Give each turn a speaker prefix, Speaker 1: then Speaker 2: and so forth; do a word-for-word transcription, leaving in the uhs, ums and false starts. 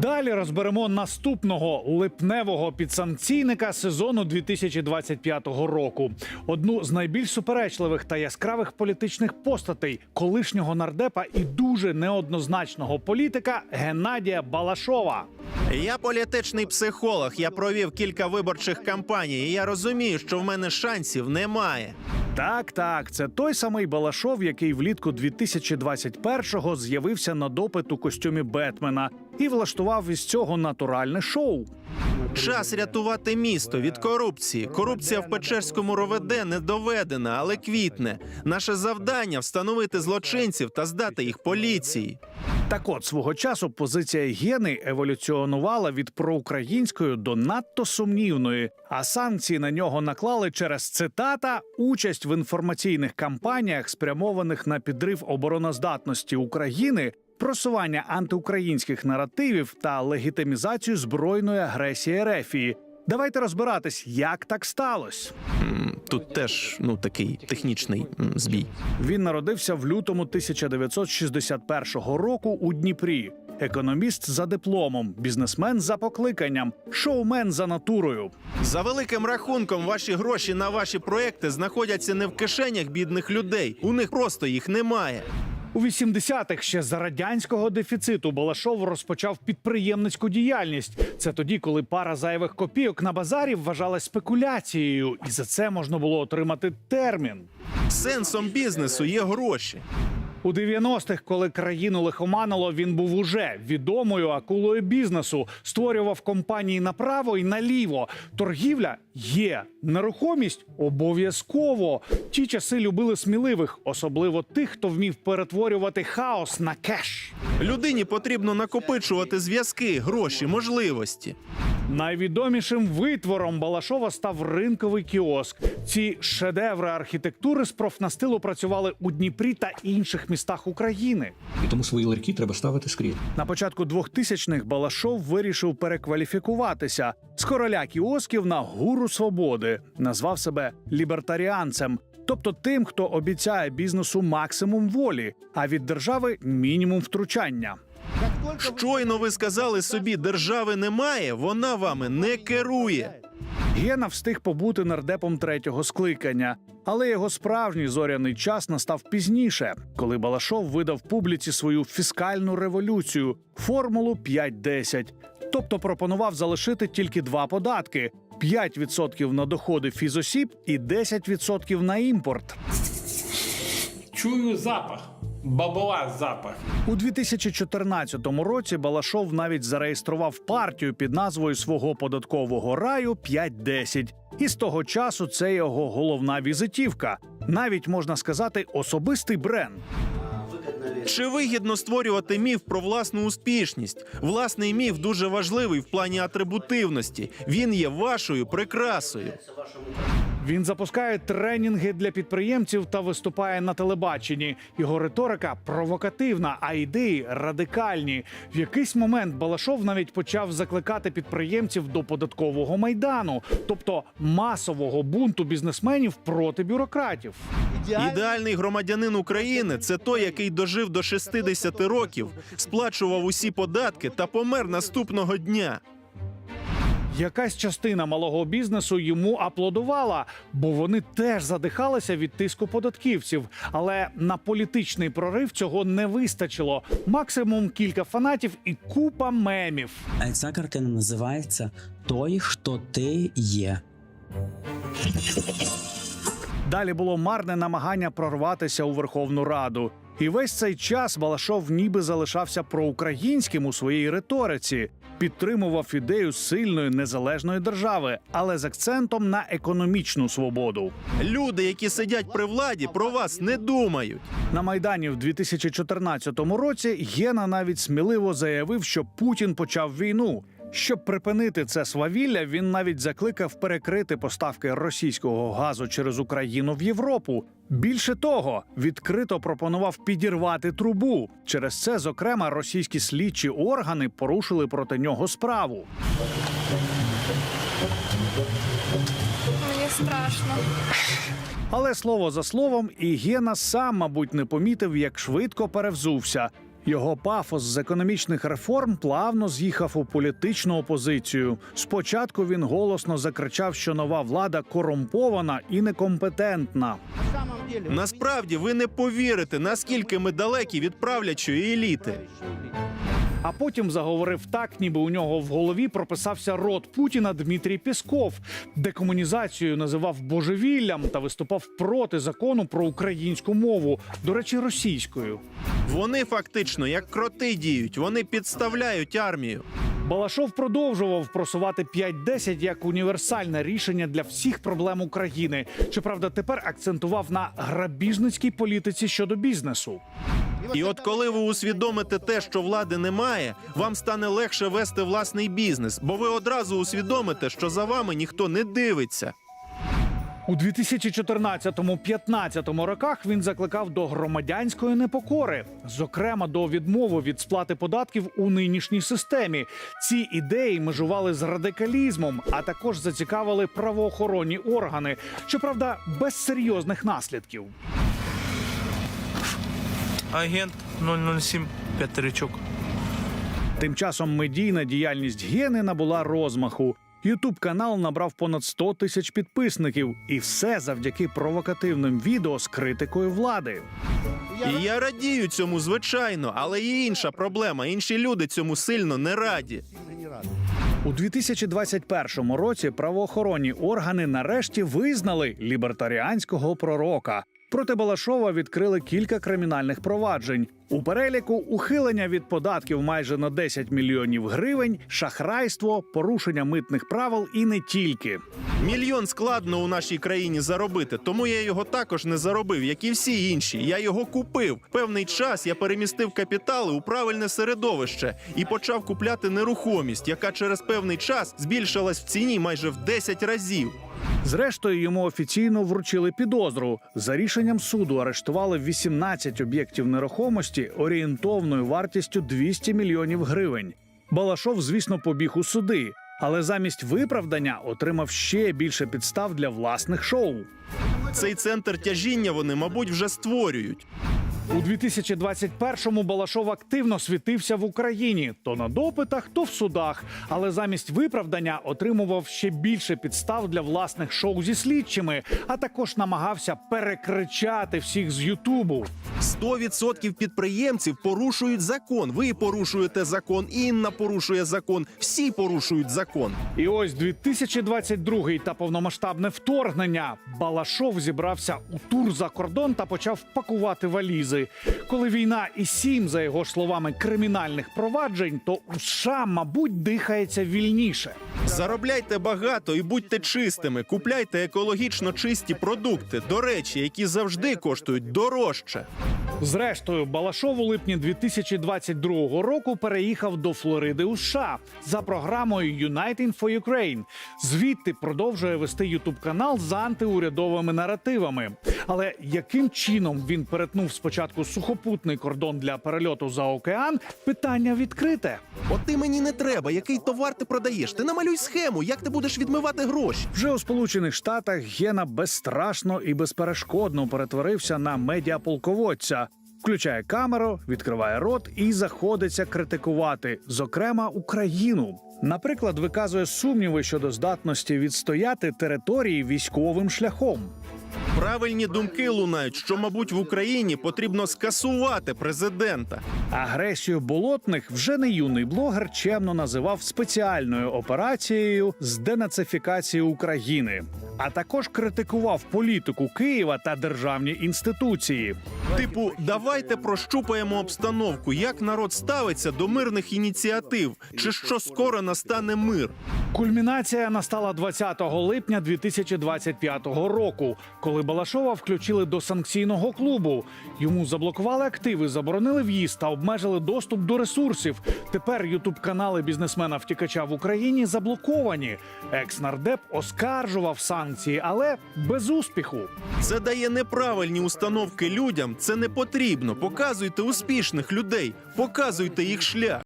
Speaker 1: Далі розберемо наступного липневого підсанкційника сезону дві тисячі двадцять п'ятого року. Одну з найбільш суперечливих та яскравих політичних постатей колишнього нардепа і дуже неоднозначного політика Геннадія Балашова.
Speaker 2: Я політичний психолог, я провів кілька виборчих кампаній, і я розумію, що в мене шансів немає.
Speaker 1: Так, так, це той самий Балашов, який влітку дві тисячі двадцять першого з'явився на допит у костюмі Бетмена і влаштував із цього натуральне шоу.
Speaker 2: Час рятувати місто від корупції. Корупція в Печерському РОВД не доведена, але квітне. Наше завдання – встановити злочинців та здати їх поліції.
Speaker 1: Так от, свого часу позиція Гени еволюціонувала від проукраїнської до надто сумнівної, а санкції на нього наклали через, цитата, «участь в інформаційних кампаніях, спрямованих на підрив обороноздатності України, просування антиукраїнських наративів та легітимізацію збройної агресії РФ». Давайте розбиратись, як так сталося.
Speaker 2: Тут теж, ну, такий технічний м, збій.
Speaker 1: Він народився в лютому тисяча дев'ятсот шістдесят першого року у Дніпрі. Економіст за дипломом, бізнесмен за покликанням, шоумен за натурою.
Speaker 2: За великим рахунком, ваші гроші на ваші проекти знаходяться не в кишенях бідних людей. У них просто їх немає.
Speaker 1: У вісімдесятих ще за радянського дефіциту Балашов розпочав підприємницьку діяльність. Це тоді, коли пара зайвих копійок на базарі вважалась спекуляцією, і за це можна було отримати термін.
Speaker 2: Сенсом бізнесу є гроші.
Speaker 1: У дев'яностих, коли країну лихоманило, він був уже відомою акулою бізнесу. Створював компанії направо і наліво. Торгівля є. Нерухомість – обов'язково. Ті часи любили сміливих, особливо тих, хто вмів перетворювати хаос на кеш.
Speaker 2: Людині потрібно накопичувати зв'язки, гроші, можливості.
Speaker 1: Найвідомішим витвором Балашова став ринковий кіоск. Ці шедеври архітектури з профнастилу працювали у Дніпрі та інших містах України.
Speaker 3: І тому свої ларьки треба ставити скрізь.
Speaker 1: На початку двохтисячних Балашов вирішив перекваліфікуватися з короля кіосків на гуру свободи. Назвав себе лібертаріанцем, тобто тим, хто обіцяє бізнесу максимум волі, а від держави мінімум втручання.
Speaker 2: Щойно ви сказали собі, держави немає, вона вами не керує.
Speaker 1: Гена встиг побути нардепом третього скликання, але його справжній зоряний час настав пізніше, коли Балашов видав публіці свою фіскальну революцію – формулу п'ять десять. Тобто пропонував залишити тільки два податки – п'ять відсотків на доходи фізосіб і десять відсотків на імпорт.
Speaker 4: Чую запах. Бабла запах.
Speaker 1: У дві тисячі чотирнадцятому році Балашов навіть зареєстрував партію під назвою свого податкового раю п'ять десять. І з того часу це його головна візитівка. Навіть, можна сказати, особистий бренд.
Speaker 2: Чи вигідно створювати міф про власну успішність? Власний міф дуже важливий в плані атрибутивності. Він є вашою прикрасою.
Speaker 1: Він запускає тренінги для підприємців та виступає на телебаченні. Його риторика провокативна, а ідеї радикальні. В якийсь момент Балашов навіть почав закликати підприємців до податкового майдану, тобто масового бунту бізнесменів проти бюрократів.
Speaker 2: Ідеальний громадянин України – це той, який дожив до шістдесяти років, сплачував усі податки та помер наступного дня.
Speaker 1: Якась частина малого бізнесу йому аплодувала, бо вони теж задихалися від тиску податківців. Але на політичний прорив цього не вистачило. Максимум кілька фанатів і купа мемів.
Speaker 5: Ця картина називається «Той, хто ти є».
Speaker 1: Далі було марне намагання прорватися у Верховну Раду. І весь цей час Балашов ніби залишався проукраїнським у своїй риториці. Підтримував ідею сильної незалежної держави, але з акцентом на економічну свободу.
Speaker 2: Люди, які сидять при владі, про вас не думають.
Speaker 1: На Майдані в дві тисячі чотирнадцятому році Гена навіть сміливо заявив, що Путін почав війну. Щоб припинити це свавілля, він навіть закликав перекрити поставки російського газу через Україну в Європу. Більше того, відкрито пропонував підірвати трубу. Через це, зокрема, російські слідчі органи порушили проти нього справу.
Speaker 6: Мені страшно.
Speaker 1: Але слово за словом, і Гена сам, мабуть, не помітив, як швидко перевзувся. Його пафос з економічних реформ плавно з'їхав у політичну опозицію. Спочатку він голосно закричав, що нова влада корумпована і некомпетентна.
Speaker 2: Насправді ви не повірите, наскільки ми далекі від правлячої еліти.
Speaker 1: А потім заговорив так, ніби у нього в голові прописався рот Путіна Дмитрій Пєсков. Декомунізацію називав божевіллям та виступав проти закону про українську мову, до речі, російською.
Speaker 2: Вони фактично як кроти діють, вони підставляють армію.
Speaker 1: Балашов продовжував просувати п'ять десять як універсальне рішення для всіх проблем України. Щоправда, тепер акцентував на грабіжницькій політиці щодо бізнесу.
Speaker 2: І от коли ви усвідомите те, що влади немає, вам стане легше вести власний бізнес, бо ви одразу усвідомите, що за вами ніхто не дивиться.
Speaker 1: У дві тисячі чотирнадцятому-п'ятнадцятому роках він закликав до громадянської непокори, зокрема до відмови від сплати податків у нинішній системі. Ці ідеї межували з радикалізмом, а також зацікавили правоохоронні органи, щоправда, без серйозних наслідків.
Speaker 6: Агент нуль нуль сім п'ятеричок.
Speaker 1: Тим часом медійна діяльність Гени набула розмаху. Ютуб-канал набрав понад сто тисяч підписників. І все завдяки провокативним відео з критикою влади.
Speaker 2: І я радію цьому, звичайно, але є інша проблема. Інші люди цьому сильно не раді.
Speaker 1: У дві тисячі двадцять першому році правоохоронні органи нарешті визнали лібертаріанського пророка. Проти Балашова відкрили кілька кримінальних проваджень. У переліку ухилення від податків майже на десять мільйонів гривень, шахрайство, порушення митних правил і не тільки.
Speaker 2: Мільйон складно у нашій країні заробити, тому я його також не заробив, як і всі інші. Я його купив. Певний час я перемістив капітали у правильне середовище і почав купляти нерухомість, яка через певний час збільшилась в ціні майже в десять разів.
Speaker 1: Зрештою, йому офіційно вручили підозру. За рішенням суду арештували вісімнадцять об'єктів нерухомості орієнтовною вартістю двісті мільйонів гривень. Балашов, звісно, побіг у суди, але замість виправдання отримав ще більше підстав для власних шоу.
Speaker 2: Цей центр тяжіння вони, мабуть, вже створюють.
Speaker 1: У дві тисячі двадцять першому Балашов активно світився в Україні. То на допитах, то в судах. Але замість виправдання отримував ще більше підстав для власних шоу зі слідчими, а також намагався перекричати всіх з Ютубу.
Speaker 2: сто відсотків підприємців порушують закон. Ви порушуєте закон, Інна порушує закон, всі порушують закон.
Speaker 1: І ось дві тисячі двадцять другий та повномасштабне вторгнення. Балашов зібрався у тур за кордон та почав пакувати валізи. Коли війна і сім, за його ж словами, кримінальних проваджень, то у США, мабуть, дихається вільніше.
Speaker 2: Заробляйте багато і будьте чистими. Купляйте екологічно чисті продукти, до речі, які завжди коштують дорожче.
Speaker 1: Зрештою, Балашов у липні дві тисячі двадцять другого року переїхав до Флориди у США за програмою Uniting for Ukraine. Звідти продовжує вести ютуб-канал з антиурядовими наративами. Але яким чином він перетнув спочатку сухопутний кордон для перельоту за океан – питання відкрите.
Speaker 2: От ти мені не треба, який товар ти продаєш. Ти намалюй схему, як ти будеш відмивати гроші.
Speaker 1: Вже у Сполучених Штатах Гена безстрашно і безперешкодно перетворився на медіаполководця. Включає камеру, відкриває рот і заходиться критикувати, зокрема, Україну. Наприклад, виказує сумніви щодо здатності відстояти території військовим шляхом.
Speaker 2: Правильні думки лунають, що, мабуть, в Україні потрібно скасувати президента.
Speaker 1: Агресію болотних вже не юний блогер чемно називав спеціальною операцією з денацифікації України. А також критикував політику Києва та державні інституції.
Speaker 2: Типу, давайте прощупаємо обстановку, як народ ставиться до мирних ініціатив, чи що скоро настане мир.
Speaker 1: Кульмінація настала двадцятого липня дві тисячі двадцять п'ятого року, коли Балашова включили до санкційного клубу. Йому заблокували активи, заборонили в'їзд та обмежили доступ до ресурсів. Тепер ютуб-канали бізнесмена-втікача в Україні заблоковані. Екс-нардеп оскаржував санкції, але без успіху.
Speaker 2: Це дає неправильні установки людям, це не потрібно. Показуйте успішних людей, показуйте їх шлях.